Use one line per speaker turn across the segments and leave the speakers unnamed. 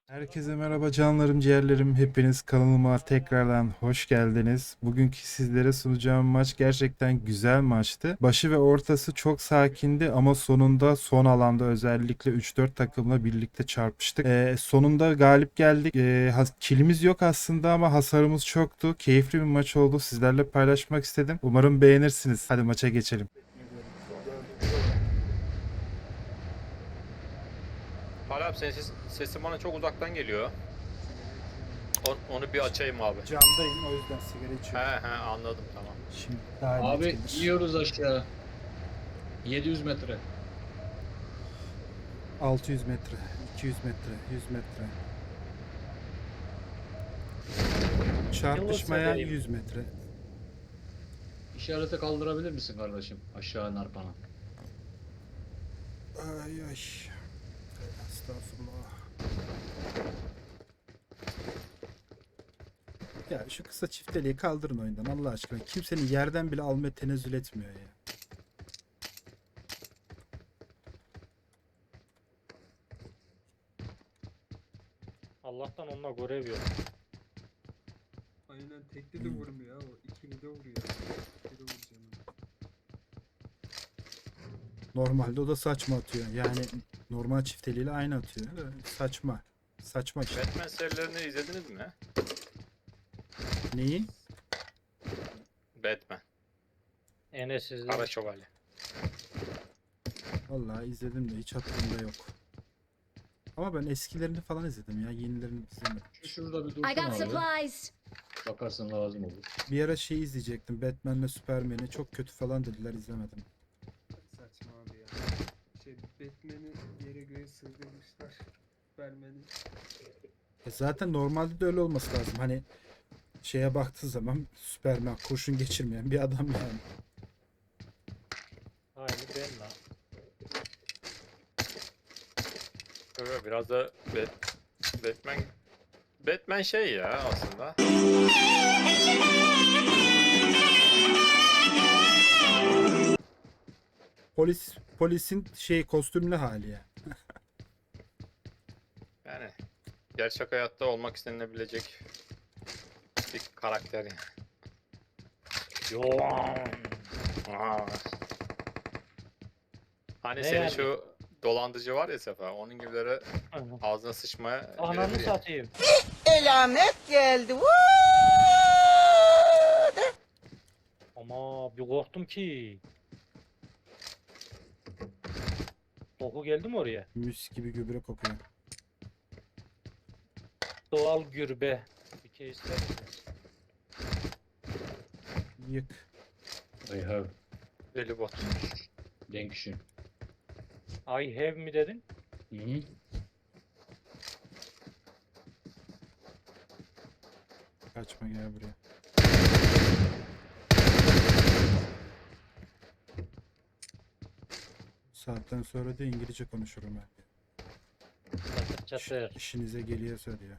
Herkese merhaba canlarım, ciğerlerim. Hepiniz kanalıma tekrardan hoş geldiniz. Bugünkü sizlere sunacağım maç gerçekten güzel maçtı. Başı ve ortası çok sakindi ama sonunda son alanda özellikle 3-4 takımla birlikte çarpıştık. Sonunda galip geldik. Kilimiz yok aslında ama hasarımız çoktu. Keyifli bir maç oldu. Sizlerle paylaşmak istedim. Umarım beğenirsiniz. Hadi maça geçelim.
Hala abi senin sesin bana çok uzaktan geliyor. Onu bir açayım abi.
Camdayım, o yüzden sigara
He
içiyorum.
he, anladım, tamam.
Şimdi daha net
Abi
gelir.
yiyoruz aşağı. 700 metre.
600 metre, 200 metre, 100 metre. Çarpışmaya
Yılmaz
100 metre.
İşarete kaldırabilir misin kardeşim? Aşağı narpana.
Ay ay. Estağfurullah. Ya şu kısa çifteliği kaldırın oyundan Allah aşkına. Kimsenin yerden bile almaya tenezzül etmiyor ya.
Allah'tan onunla görev yok.
Aynen tekli de vurmuyor o ikili de vuruyor. Tekli de vuracağım.
Normalde o da saçma atıyor. Yani normal çifteliğiyle aynı atıyor. Saçma. Saçma işte.
Batman serilerini izlediniz mi?
Neyi?
Batman.
Enes izle.
Kara Şövalye.
Vallahi izledim de hiç hatırımda yok. Ama ben eskilerini falan izledim ya. Yenilerini izlemedim.
Şurada bir
I
dursun
got
abi.
supplies.
Bakarsın lazım olur.
Bir ara şey izleyecektim. Batman'le Superman'i çok kötü falan dediler, izlemedim.
Saçma abi ya. Batman'i yere göğe sığdırmışlar. Superman'i.
Zaten normalde de öyle olması lazım. Hani şeye baktığı zaman Superman kurşun geçirmeyen bir adam yani.
Aynı ben lan.
Evet, biraz da Batman şey ya aslında.
Polisin şey kostümlü hali ya.
Yani gerçek hayatta olmak istenilebilecek bir karakter yani.
Yo.
Aa. Hani
Ne
senin
yani?
şu dolandırıcı var ya Sefa, onun gibileri ağzına sıçmaya
Ananı
birebir ya.
satayım.
Elamet geldi.
Ama bir korktum ki. Koku geldi mi oraya?
Müs gibi gübre kokuyor.
Doğal gürbe. Bir kez ister misiniz?
Yık.
I have.
Deli bot.
Denkşin.
I have mi dedin?
Hı hı.
Kaçma, gel buraya. Saatten sonra da İngilizce konuşurum ben.
Çatır çatır.
İşinize geliyorsa diyor.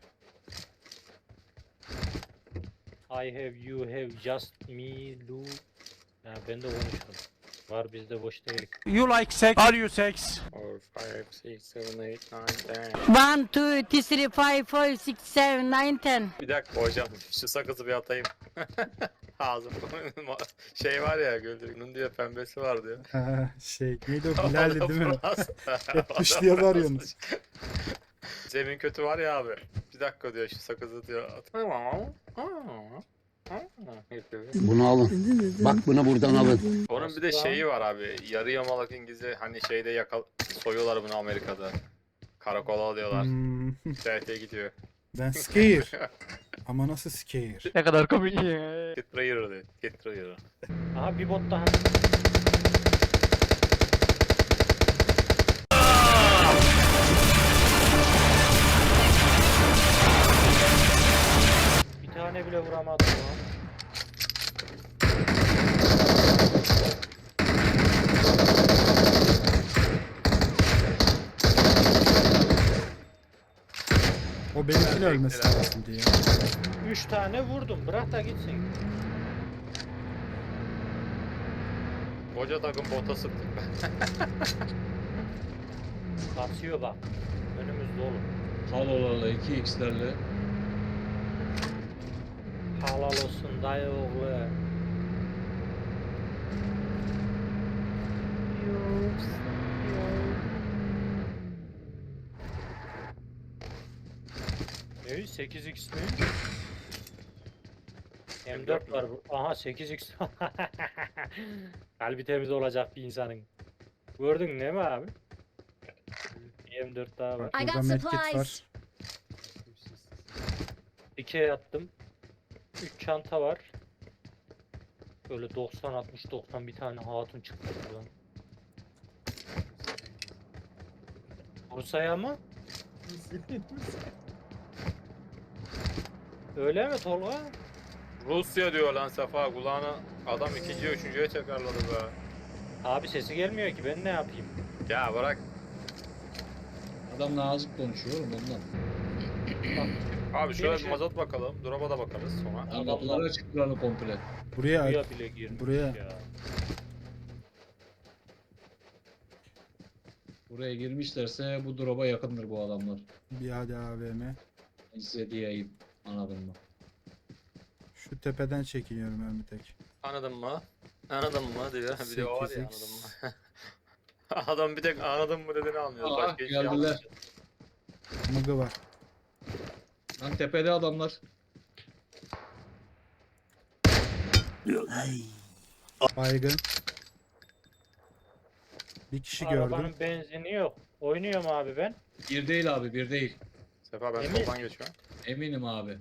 I have, you have, just me, Lou. Ya ben de konuşurum. Var bizde boş değil.
You like sex? Are you sex?
4, 5, 6, 7, 8, 9, 10.
1, 2, 3, 4, 5, 6, 7, 9, 10.
Bir dakika hocam, şu sakızı bir atayım. Ağzım şey var ya, güldürünün diye pembesi var diyor.
Ha, şey neydi o, Bilal'di değil mi?
Hep
dışlıyorlar yalnız.
Zemin kötü var ya abi. Bir dakika diyor, şu sakızı diyor.
Bunu alın. Bak bunu buradan alın.
Onun bir de şeyi var abi. Yarı yamalak İngilizce, hani şeyde soyuyorlar bunu Amerika'da. Karakola alıyorlar. TRT gidiyor.
Ben scare. Ama nasıl scare?
Ne kadar komik ya.
Get prayer diyor. Get prayer.
Aha bir bot daha. Bir tane bile vuramadım lan.
O benimkine
Ben
ölmesi
beklerim.
lazım diye.
3 tane vurdum. Bırak da gitsin.
Koca takım bota sıktık ben.
Basıyor bak. Önümüzde oğlum.
Halolarla 2x'lerle.
Halal olsun dayı oğlu. Ne? 8x mi? M4 var bu. Aha 8x. Kalbi temiz olacak bir insanın. Gördün değil mi abi? Bir M4 daha var.
I got
Burada medkit
supplies.
var.
2'ye attım. 3 çanta var. Böyle 90 60 90 bir tane hatun çıktı buradan. Bursa'ya mı? Öyle mi Tolga?
Rusya diyor lan Sefa, kulağına adam ikinciye üçüncüye tekrarladı be.
Abi sesi gelmiyor ki ben ne yapayım?
Ya bırak.
Adam nazik konuşuyor oğlum ondan.
Abi şöyle bir
Gelişe-
mazot bakalım. Drop'a da bakarız sonra.
Adam kapıları açıklarını komple.
Buraya
Buraya bile girmiş
buraya.
ya.
Buraya girmişlerse bu drop'a yakındır bu adamlar.
bir hadi AVM.
Ben size diyeyim. Anladın mı?
Şu tepeden çekiniyorum ben bir tek.
Anladın mı? Anladın mı diyor. Bir de o var ya,
8x.
anladın mı? Adam bir tek anladın mı dediğini anlıyor.
Aa,
Başka hiçbir şey
geldiler.
anlamıyor.
Mıgı var.
Lan tepede adamlar.
Baygın. Bir kişi
Arabanın
gördüm.
benzini yok. Oynuyorum abi ben.
Bir değil abi bir değil.
Sefa ben
Emin-
soldan geçiyorum.
Eminim abi.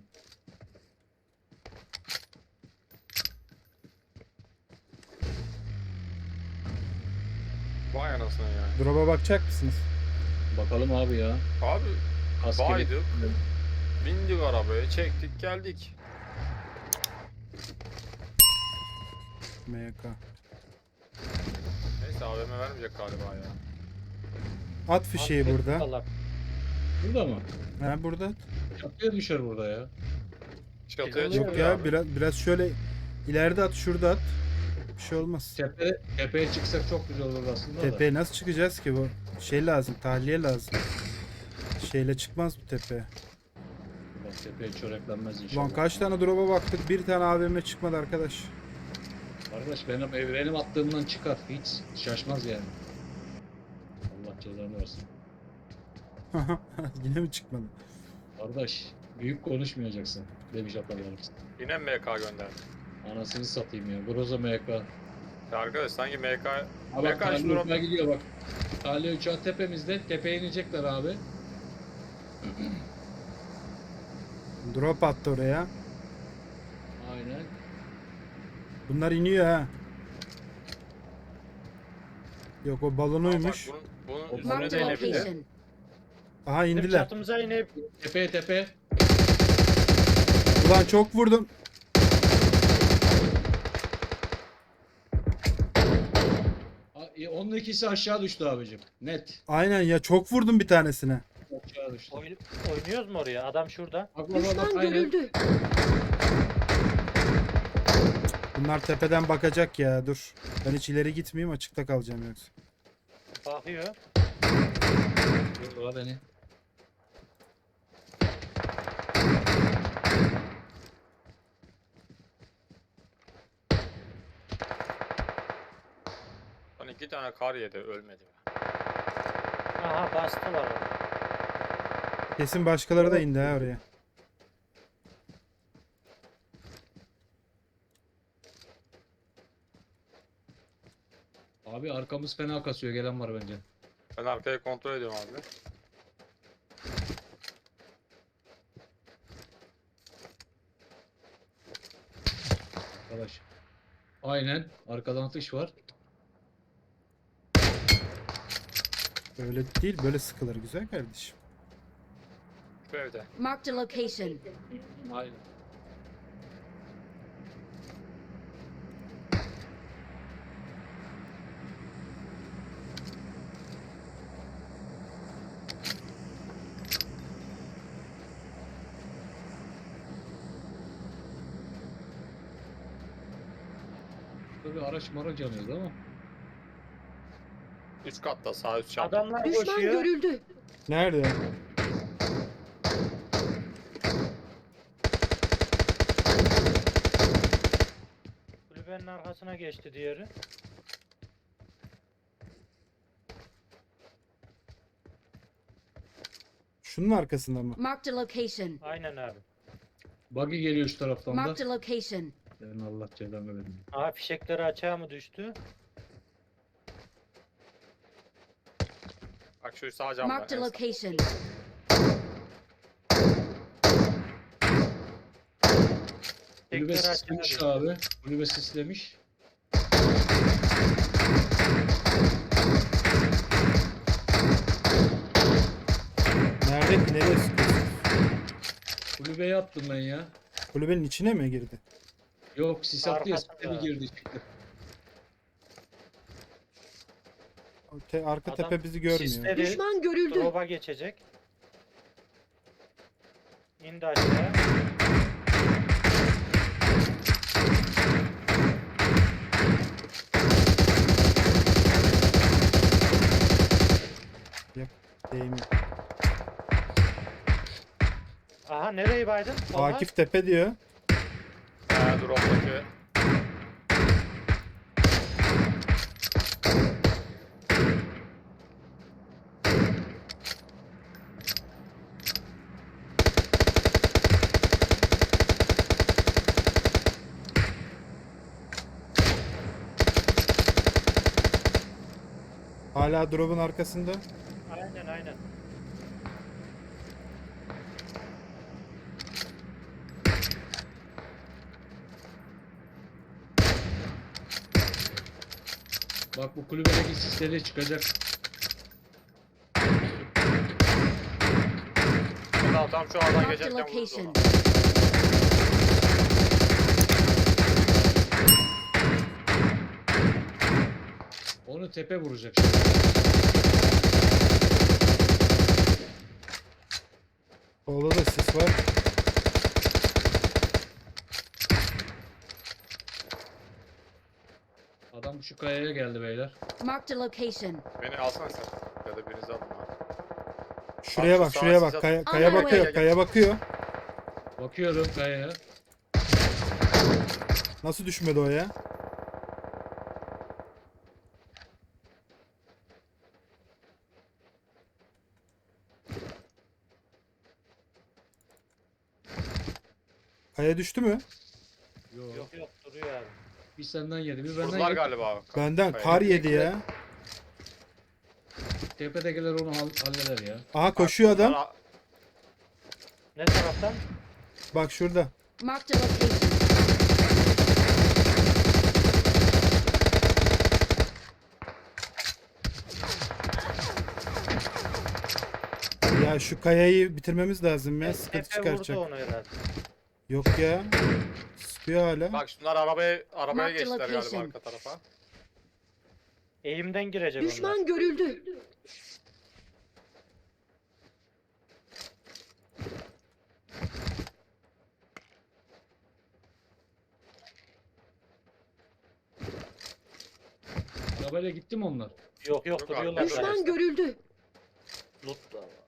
Vay anasını ya.
Drop'a bakacak mısınız?
Bakalım abi ya.
Abi
Askeri.
baydık. Bindik arabaya, çektik, geldik.
MK.
Neyse AVM vermeyecek galiba ya.
At fişeği
Abi,
burada.
Allah.
Burada mı?
Ha burada.
Çatıya düşer burada ya.
Çatıya
Yok
Yok
çıkıyor
ya
abi.
biraz şöyle ileride at, şurada at. Bir şey olmaz.
Tepeye çıksak çok güzel olur aslında da.
Tepeye nasıl çıkacağız ki bu? Şey lazım, tahliye lazım. Şeyle çıkmaz bu tepeye.
Bak tepeye çöreklenmez inşallah.
Ulan kaç tane drop'a baktık, bir tane AVM çıkmadı arkadaş.
Arkadaş benim attığımdan çıkar. Hiç şaşmaz yani. Allah cezanı versin.
Yine mi çıkmadı?
Kardeş büyük konuşmayacaksın demiş atalarımız.
Yine MK gönderdi.
Anasını satayım ya. Groza MK.
Ya arkadaş sanki MK...
Ha bak
MK şu
Talya
drop...
gidiyor bak. Talya uçağı tepemizde. Tepeye inecekler abi.
Drop attı oraya.
Aynen.
Bunlar iniyor ha. Yok o balonuymuş.
Bunun üstüne
Marked
de
a
inebilir.
location.
Aha
Bizim
indiler.
çatımıza inip
Tepe.
Ulan çok vurdum.
Onun ikisi aşağı düştü abicim. Net.
Aynen ya, çok vurdum bir tanesine.
Aşağı düştü.
oynuyoruz mu oraya? Adam şurada.
Bak bak bak
Düşman
aynen.
görüldü.
Bunlar tepeden bakacak ya, dur. Ben hiç ileri gitmeyeyim, açıkta kalacağım yoksa.
Bakıyor.
Dur beni.
Lan 2 tane kar yedi, ölmedi.
Aha bastılar orada.
Kesin başkaları da indi ha oraya.
Abi arkamız fena kasıyor. Gelen var bence.
Ben arkayı kontrol ediyorum abi.
Arkadaş. Aynen. Arkadan atış var.
Böyle değil, böyle sıkılır güzel kardeşim.
Şu evde.
Marked a location.
Aynen. Burada bir araç maraç yanıyordu ama.
Üst katta, sağ üst çanta.
Adamlar
Düşman
koşuyor.
görüldü.
Nerede?
kulübenin arkasına geçti diğeri.
Şunun arkasında mı?
Marked a location.
Aynen abi.
Buggy geliyor şu taraftan da.
Marked a location.
Senin Allah cezanı versin.
Aha fişekleri açığa mı düştü?
Bak şu sağ camda.
Marked a
en sağ.
location.
Kulübe
Fişekleri açığa
sislemiş
düştü.
abi. Kulübe sislemiş.
Nerede ki? Nereye sıkıyorsun?
Kulübeye attım ben ya.
Kulübenin içine mi girdi?
Yok sis attı ya
Arkasında.
sistemi girdi çıktı.
Arka
Adam
tepe bizi görmüyor.
Sisleri
Düşman görüldü.
drop'a geçecek. İndi aşağı.
Değmiyor.
Aha nereyi baydın? Tolga?
Akif tepe diyor.
Drop'taki.
Hala drop'un arkasında.
Aynen aynen.
Bak bu kulübedeki sisleri çıkacak.
Tam şu aradan
Marked a
geçerken vurdu
location.
onu.
Onu tepe vuracak şimdi.
Solda da sis var.
Adam şu kayaya geldi beyler.
Marked a location.
Beni alsana sen. Ya da birinizi alın abi.
Şuraya
Bak,
bak,
şu
şuraya
sağa
bak.
siz
Kaya,
atın.
kaya
Ana,
bakıyor,
gel.
kaya bakıyor.
Bakıyorum kayaya.
Nasıl düşmedi o ya? Kaya düştü mü?
Yok.
Yok yok duruyor abi.
Bir senden yedi, bir benden
Vurdular
yedi.
galiba abi.
Benden
Kaya.
kar yedi ya.
Tepedekiler onu halleder ya.
Aha koşuyor adam.
Bunlar-
Ne taraftan?
Bak şurada.
Marked a location.
Ya şu kayayı bitirmemiz lazım ya. Sıkıntı
Tepe
çıkaracak.
vurdu onu herhalde.
Yok ya. Sıkıyor hala.
Bak şunlar arabaya
Marked
geçtiler galiba
location.
arka tarafa.
Eğimden girecek onlar.
Düşman görüldü.
Arabayla gitti mi onlar?
Yok yok
Yok abi,
duruyorlar.
düşman
Düşman
zaten.
görüldü.
Loot.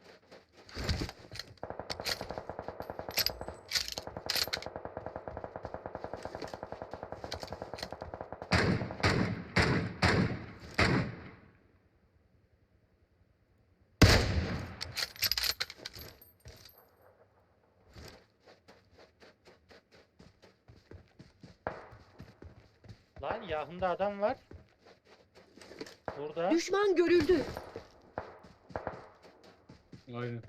Lan yakında adam var. Burada.
Düşman görüldü.
Aynen.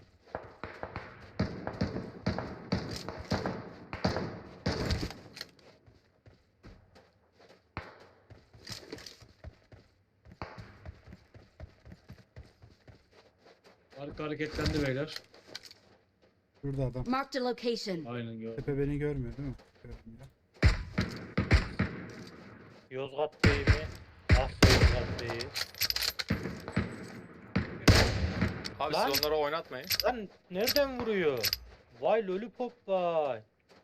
Arka hareketlendi beyler.
Şurada adam.
Marked a location.
Aynen gördüm.
Tepe beni görmüyor değil mi? Görmüyor.
Yozgat Bey mi? Ah be Yozgat Bey.
Abi
Lan.
siz onları oynatmayın.
Lan nereden vuruyor? Vay lollipop vay.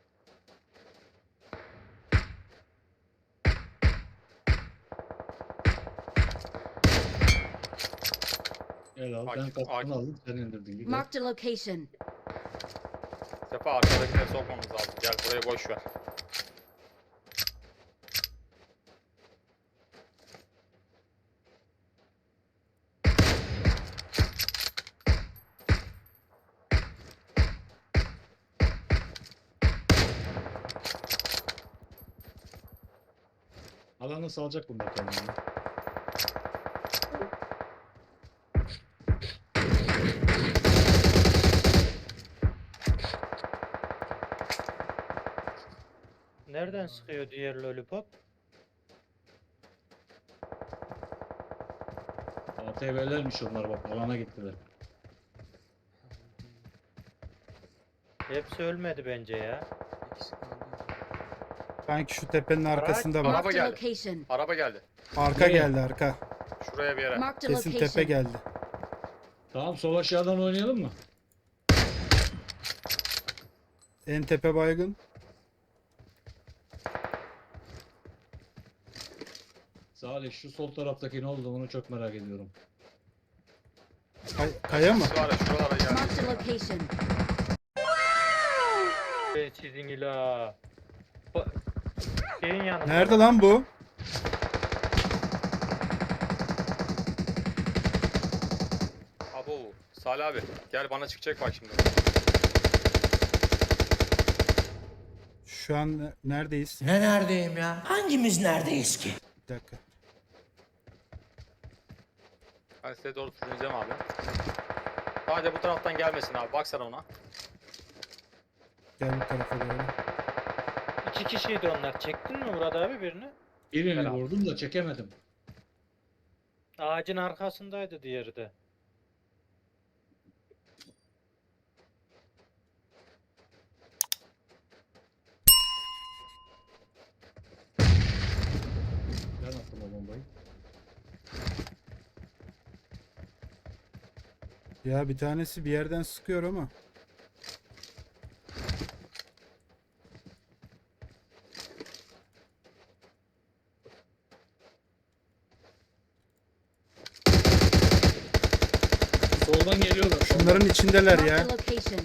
Gel al. Ben
Akif,
kaskını
Akif.
aldım. Sen indirdin. Gibi.
Marked a location.
Sefa arkadakileri sokmamız lazım. Gel burayı boş ver.
Alanı salacak bunda kendini.
Nereden sıkıyor diğer lollipop?
ATV'lermiş onlar bak alana gittiler.
Hepsi ölmedi bence ya.
İkisi kaldı.
Sanki şu tepenin
Araç-
arkasında bak.
Araba
Marked a
geldi.
location.
Araba geldi.
Arka
Nereye?
geldi arka.
Şuraya bir yere.
Marked a
Kesin tepe
location.
geldi.
Tamam sol aşağıdan oynayalım mı?
En tepe baygın.
Salih şu sol taraftaki ne oldu onu çok merak ediyorum.
Kaya mı?
Şu ara şuralara geldi.
Marked a location.
Sizin ila. Şeyin yanında.
Nerede lan bu?
Abo. Salih abi gel bana çıkacak bak şimdi.
Şu an neredeyiz?
Ne neredeyim ya? Hangimiz neredeyiz ki?
Bir dakika.
Ben size doğru sürüneceğim abi. Sadece bu taraftan gelmesin abi. Baksana ona.
Gel bu tarafa doğru.
2 kişiydi onlar. Çektin mi Murat abi birini?
Birini
Helal.
vurdum da çekemedim.
Ağacın arkasındaydı diğeri de.
Ben attım o bombayı.
Ya bir tanesi bir yerden sıkıyor ama.
Soldan geliyorlar. soldan.
Şunların içindeler
Marked
ya.
a location.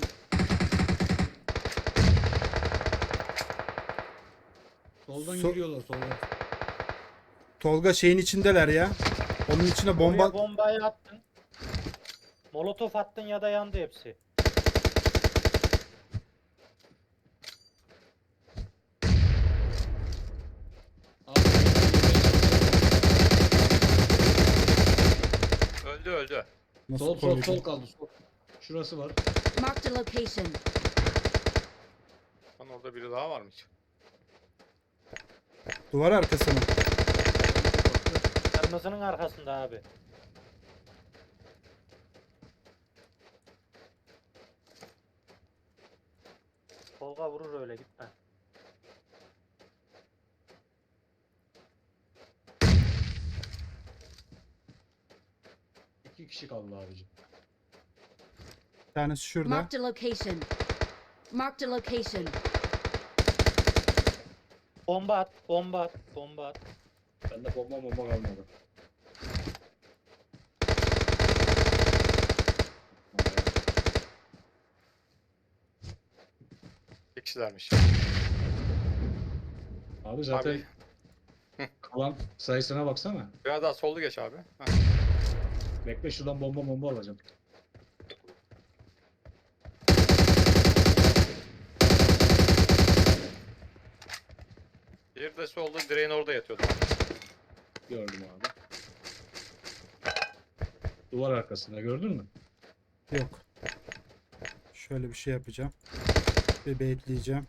Soldan
So-
geliyorlar soldan.
Tolga şeyin içindeler ya. Onun içine
Oraya
bomba...
bombayı attın. Molotof attın ya da yandı hepsi.
Abi,
Öldü öldü.
Nasıl
sol sol
koruyacağım?
sol kaldı sol. Şurası var.
Marked a location.
Lan orada biri daha varmış.
Duvar arkası mı?
Kırmızının arkasında abi. Tolga vurur öyle gitme.
İki kişi kaldı abicim.
Bir tanesi şurada.
Marked a location. Marked a location.
Bomba at, bomba at, bomba at.
Bende bomba kalmadı.
İki kişilermiş.
Abi zaten
Abi
kalan sayısına baksana.
biraz daha sollu geç abi. Heh.
Bekle şuradan bomba alacağım.
Diğeri de solda direğin orada yatıyordu.
Gördüm abi. Duvar arkasında gördün mü?
Yok. Şöyle bir şey yapacağım. Bir bekleyeceğim.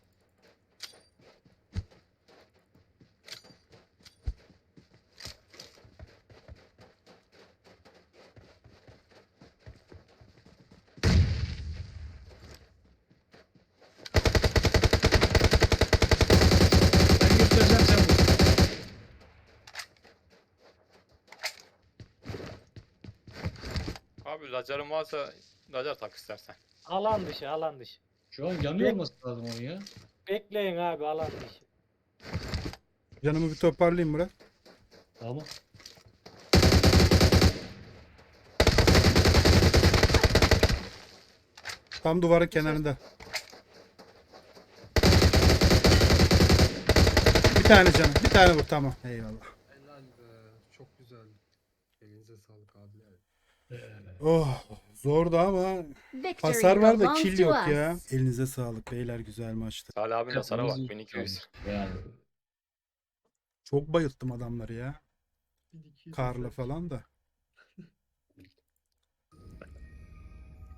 Ben göstereceğim sen vur.
Abi lacarın varsa lacar tak istersen.
Alan dışı, alan dışı.
Şu an yanıyor olması lazım onun ya.
Bekleyin abi alan dışı.
Canımı bir toparlayayım Murat.
Tamam.
Tam duvarın kenarında. Bir tane canım. Bir tane vur tamam. Eyvallah.
Helal be. Çok güzel. Elinize sağlık abiler.
Oh zordu ama
Victory
hasar var da
belongs
kill
to
yok
us.
ya. Elinize sağlık beyler güzel maçtı.
Salih abinin hasara bak
Kafamızı
1200.
Yani
Çok bayılttım adamları ya.
1200
Karla
metre.
falan da.